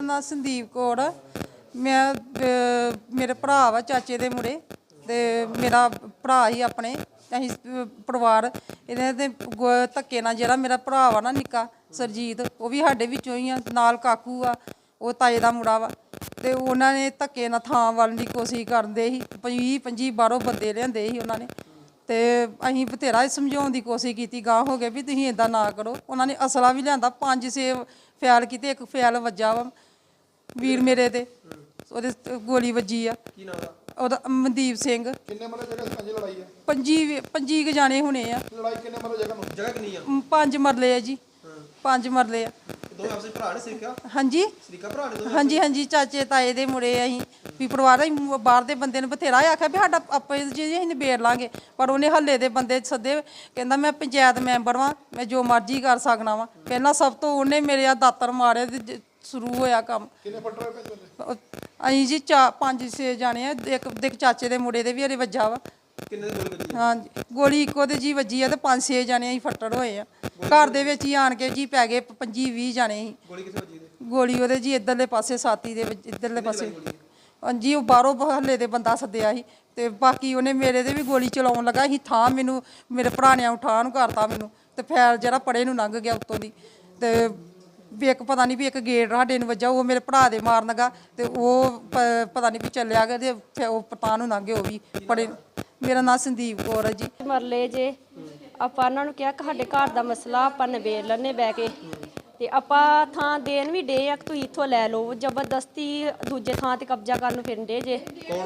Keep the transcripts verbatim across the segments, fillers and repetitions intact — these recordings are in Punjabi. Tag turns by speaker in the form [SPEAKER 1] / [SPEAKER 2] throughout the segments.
[SPEAKER 1] ना संदीप कौर मैं मेरे भरा वा चाचे दे मुड़े ते मेरा भरा ही अपने असीं परिवार इन्हें ते धक्के नाल जेह्ड़ा मेरा भरा वा ना निक्का सरजीत वो भी साडे विच्चों ही आ नाल काकू आ वो ताए दा मुड़ा वा ते उन्हां ने धक्के नाल थां वल्ल दी कोशिश करदे ही बीह पंजी बाहरों बंदे लिआंदे ही उन्हां ने ते असीं बथेरा समझाउण दी कोशिश कीती गांह हो गए भी तुसीं इदां ना करो उन्हां ने असला भी लिआंदा पंज छे फैल कीते इक फैल वज्जा वा वीर मेरे ते ਉਹਦੇ ਗੋਲੀ ਵੱਜੀ ਆ ਕੀ ਨਾਮ ਦਾ ਉਹਦਾ ਮਨਦੀਪ ਸਿੰਘ ਕਿੰਨੇ ਮਰਲੇ ਜਗ੍ਹਾ ਸਾਂਝੀ ਲੜਾਈ ਆ ਪੰਜੀ ਪੰਜੀ ਕ ਜਾਣੇ ਹੋਣੇ ਆ ਲੜਾਈ ਕਿੰਨੇ ਮਰਲੇ ਜਗ੍ਹਾ ਨੂੰ ਜਗ੍ਹਾ ਕਿੰਨੀ ਆ ਪੰਜ ਮਰਲੇ ਆ ਜੀ ਪੰਜ ਮਰਲੇ ਆ ਦੋਵੇਂ ਆਪਸੇ ਭਰਾ ਨੇ ਸਰੀਕਾ ਹਾਂਜੀ ਸਰੀਕਾ ਭਰਾ ਨੇ ਹਾਂਜੀ ਹਾਂਜੀ ਚਾਚੇ ਤਾਏ ਦੇ ਮੁੰਡੇ ਅਸੀਂ ਵੀ ਪਰਿਵਾਰ ਅਸੀਂ ਬਾਹਰ ਦੇ ਬੰਦੇ ਨੇ ਬਥੇਰਾ ਆਖਿਆ ਵੀ ਸਾਡਾ ਆਪੇ ਜੀ ਅਸੀਂ ਨਿਬੇੜ ਲਾਂਗੇ ਪਰ ਉਹਨੇ ਹੱਲੇ ਦੇ ਬੰਦੇ ਸੱਦੇ ਕਹਿੰਦਾ ਮੈਂ ਪੰਚਾਇਤ ਮੈਂਬਰ ਵਾਂ ਮੈਂ ਜੋ ਮਰਜ਼ੀ ਕਰ ਸਕਣਾ ਵਾਂ ਪਹਿਲਾਂ ਸਭ ਤੋਂ ਉਹਨੇ ਮੇਰੇ ਆ ਦਾਤਰ ਮਾਰੇ ਤੇ शुरू होया काम अं जी चा पांच छे जाने एक देख चाचे के मुंडे भी हरे वज्जा वा हाँ जी गोली इको जी वजी है तो पांच छे जाने अं फट्टड़ होए हैं घर दे विच ही आन के जी पै गए पंजी भी जाने गोली वो जी इधरले पासे साथी दे इधरले पासे हाँ जी वो बाहरों हल्ले दे बंदा सद्दिया ही ते बाकी उन्हें मेरे दे भी गोली चलाउण लगा ही थां मैनू मेरे भरा ने उठा नूं करता मैनू ते फैल जिहड़ा पड़े नूं लंघ गया उत्तों दी ते भी एक पता नहीं भी एक गेट साडे नूं वज्जा वो मेरे भरा दे मारन लगा ते वो पता नहीं भी चलिया गया ते फिर वो पता नूं लंघ गए वो भी पड़े मेरा नाम संदीप कौर है जी
[SPEAKER 2] मरले जे ਆਪਾਂ ਉਹਨਾਂ ਨੂੰ ਕਿਹਾ ਕਿ ਸਾਡੇ ਘਰ ਦਾ ਮਸਲਾ ਆਪਾਂ ਨਿਬੇੜ ਲੈਣੇ ਬਹਿ ਕੇ ਤੇ ਆਪਾਂ ਥਾਂ ਦੇਣ ਵੀ ਡੇ ਆ ਕਿ ਤੁਸੀਂ ਇੱਥੋਂ ਲੈ ਲਓ ਜ਼ਬਰਦਸਤੀ ਦੂਜੇ ਥਾਂ ਤੇ ਕਬਜ਼ਾ ਕਰਨ ਨੂੰ ਫਿਰਦੇ ਜੇ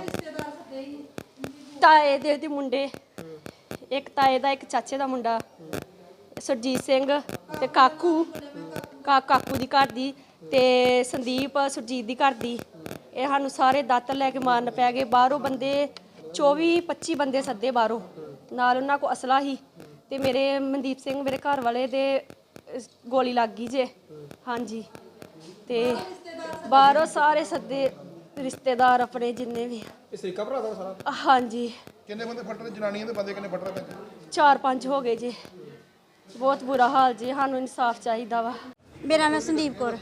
[SPEAKER 2] ਤਾਏ ਦੇ ਦੇ ਮੁੰਡੇ ਇੱਕ ਤਾਏ ਦਾ ਇੱਕ ਚਾਚੇ ਦਾ ਮੁੰਡਾ ਸੁਰਜੀਤ ਸਿੰਘ ਤੇ ਕਾਕੂ ਕਾ ਕਾਕੂ ਦੀ ਘਰ ਦੀ ਤੇ ਸੰਦੀਪ ਸੁਰਜੀਤ ਦੀ ਘਰ ਦੀ ਇਹ ਸਾਨੂੰ ਸਾਰੇ ਦਾਤਰ ਲੈ ਕੇ ਮਾਰਨ ਪੈ ਗਏ ਬਾਹਰੋਂ ਬੰਦੇ ਚੌਵੀ ਪੱਚੀ ਬੰਦੇ ਸੱਦੇ ਬਾਹਰੋਂ ਨਾਲ ਉਹਨਾਂ ਕੋਲ ਅਸਲਾ ਹੀ ਤੇ ਮੇਰੇ ਮਨਦੀਪ ਸਿੰਘ ਮੇਰੇ ਘਰ ਵਾਲੇ ਦੇ ਗੋਲੀ ਲੱਗ ਗਈ ਜੇ ਹਾਂਜੀ ਤੇ ਬਾਹਰੋਂ ਸਾਰੇ ਸੱਦੇ ਰਿਸ਼ਤੇਦਾਰ ਆਪਣੇ ਜਿੰਨੇ ਵੀ
[SPEAKER 3] ਇਹ ਸਰੀਕਾ ਭਰਾ ਦਾ ਸਾਰਾ
[SPEAKER 2] ਹਾਂਜੀ
[SPEAKER 3] ਕਿੰਨੇ ਬੰਦੇ ਫੱਟ ਰਹੇ ਜਨਾਨੀਆਂ ਦੇ ਬੰਦੇ ਕਿੰਨੇ ਫੱਟ ਰਹੇ
[SPEAKER 2] ਚਾਰ ਪੰਜ ਹੋ ਗਏ ਜੀ बहुत बुरा हाल जी सानू इंसाफ चाहिए वा
[SPEAKER 4] मेरा नाम संदीप कौर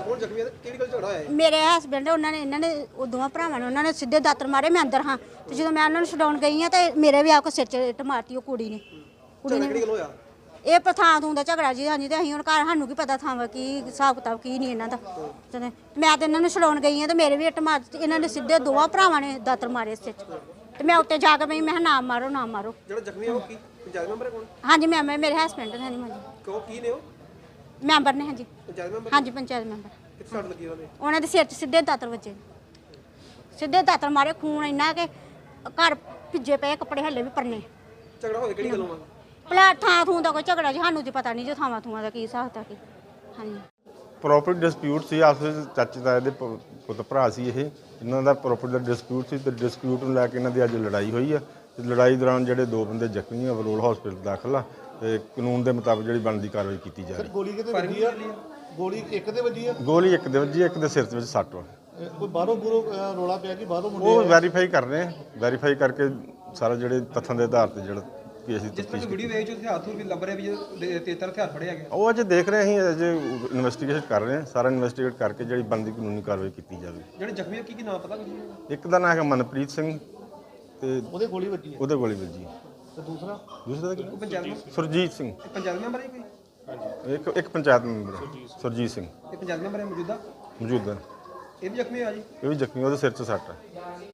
[SPEAKER 4] मेरे हसबैंड उन्होंने इन्होंने दोवां भरावां ने उन्होंने सीधे दातर मारे मैं अंदर हाँ तो जो मैं उन्होंने छुड़ाउण गई हाँ तो मेरे भी आपको सिर च इट मारती वो कुड़ी ने कुड़ी ने ये पर थां थूं दा झगड़ा जी हाँ जी तो असीं हुण घर सानू की पता थां की हिसाब किताब की नहीं इन्हां दा ते मैं तो इन्होंने छुड़ाउण गई हाँ तो मेरे भी इट मार इन्होंने सीधे दोवां भरावां ने दातर मारे सिर च ते मैं उत्ते जाके मैं मैं ना मारो ना मारो हाँ जी मैंबर मेरे हसबैंड ने हाँ जी मैंबर ने हाँ जी हाँ जी पंचायत मैंबर उन्होंने सिर च सीधे दातर बजे सीधे दातर मारे खून इन्ना के घर भिजे पे कपड़े हल्ले भी परने भला थां थूं का कोई झगड़ा जी सानू तो पता नहीं जो थावां थूआं का की हिसाब था कि हाँ जी
[SPEAKER 5] ਪ੍ਰੋਪਰਟੀ ਡਿਸਪਿਊਟ ਸੀ ਆਪਸ ਵਿੱਚ ਚਾਚੇ ਤਾਏ ਦੇ ਪੁੱਤ ਭਰਾ ਸੀ ਇਹ ਇਹਨਾਂ ਦਾ ਪ੍ਰੋਪਰਟੀ ਦਾ ਡਿਸਪਿਊਟ ਸੀ ਤੇ ਡਿਸਪਿਊਟ ਨੂੰ ਲੈ ਕੇ ਇਹਨਾਂ ਦੀ ਅੱਜ ਲੜਾਈ ਹੋਈ ਆ ਤੇ ਲੜਾਈ ਦੌਰਾਨ ਜਿਹੜੇ ਦੋ ਬੰਦੇ ਜ਼ਖਮੀ ਆ ਬਰੋਲ ਹਸਪੀਟਲ ਦਾਖਲ ਆ ਤੇ ਕਾਨੂੰਨ ਦੇ ਮੁਤਾਬਕ ਜਿਹੜੀ ਬਣਦੀ ਕਾਰਵਾਈ ਕੀਤੀ ਜਾ ਰਹੀ।
[SPEAKER 3] ਗੋਲੀ ਕਿਤੇ ਵੱਜੀ ਆ ਗੋਲੀ ਇੱਕ ਦੇ ਵੱਜੀ ਆ
[SPEAKER 5] ਗੋਲੀ ਇੱਕ ਦੇ ਵੱਜੀ ਇੱਕ ਦੇ ਸਿਰ ਵਿੱਚ ਸੱਟ ਵਾ
[SPEAKER 3] ਕੋਈ ਬਾਹਰੋਂ ਬੁਰੋ ਰੋਲਾ ਪਿਆ ਕਿ ਬਾਹਰੋਂ ਮੁੰਡੇ
[SPEAKER 5] ਉਹ ਵੈਰੀਫਾਈ ਕਰ ਰਹੇ ਆ ਵੈਰੀਫਾਈ ਕਰਕੇ ਸਾਰਾ ਜਿਹੜੇ ਤੱਥਾਂ ਦੇ ਆਧਾਰ ਤੇ ਜਿਹੜਾ
[SPEAKER 3] ਜਿਸ ਵੀਡੀਓ ਵੇਚ ਉੱਥੇ ਹੱਥ ਵੀ ਲੱਭ ਰਿਹਾ ਵੀ ਤੇਤਰ ਹਥਿਆਰ ਫੜਿਆ ਗਿਆ
[SPEAKER 5] ਉਹ ਅਜੇ ਦੇਖ ਰਹੇ ਅਸੀਂ ਅਜੇ ਇਨਵੈਸਟੀਗੇਸ਼ਨ ਕਰ ਰਹੇ ਹਾਂ ਸਾਰਾ ਇਨਵੈਸਟੀਗੇਟ ਕਰਕੇ ਜਿਹੜੀ ਬਣਦੀ ਕਾਨੂੰਨੀ ਕਾਰਵਾਈ ਕੀਤੀ ਜਾਵੇ।
[SPEAKER 3] ਜਿਹੜੇ ਜ਼ਖਮੀ ਕੀ ਕੀ ਨਾਮ ਪਤਾ ਕੁਝ
[SPEAKER 5] ਇੱਕ ਦਾ ਨਾਮ ਹੈਗਾ ਮਨਪ੍ਰੀਤ ਸਿੰਘ ਤੇ
[SPEAKER 3] ਉਹਦੇ ਗੋਲੀ ਵੱਜੀ
[SPEAKER 5] ਉਹਦੇ ਗੋਲੀ ਵੱਜੀ
[SPEAKER 3] ਤੇ ਦੂਸਰਾ
[SPEAKER 5] ਦੂਸਰਾ ਦਾ
[SPEAKER 3] ਪੰਚਾਇਤ
[SPEAKER 5] ਸੁਰਜੀਤ ਸਿੰਘ
[SPEAKER 3] ਪੰਚਾਇਤ ਮੈਂਬਰ ਹੈ ਕੋਈ
[SPEAKER 5] ਹਾਂਜੀ ਇੱਕ ਇੱਕ ਪੰਚਾਇਤ ਮੈਂਬਰ ਸੁਰਜੀਤ ਸਿੰਘ
[SPEAKER 3] ਇਹ ਪੰਚਾਇਤ ਮੈਂਬਰ ਹੈ ਮੌਜੂਦਾ
[SPEAKER 5] ਮੌਜੂਦਾ
[SPEAKER 3] ਇਹ ਵੀ ਜ਼ਖਮੀ ਆ ਜੀ
[SPEAKER 5] ਇਹ ਵੀ ਜ਼ਖਮੀ ਉਹਦੇ ਸਿਰ 'ਚ ਸੱਟ ਹੈ।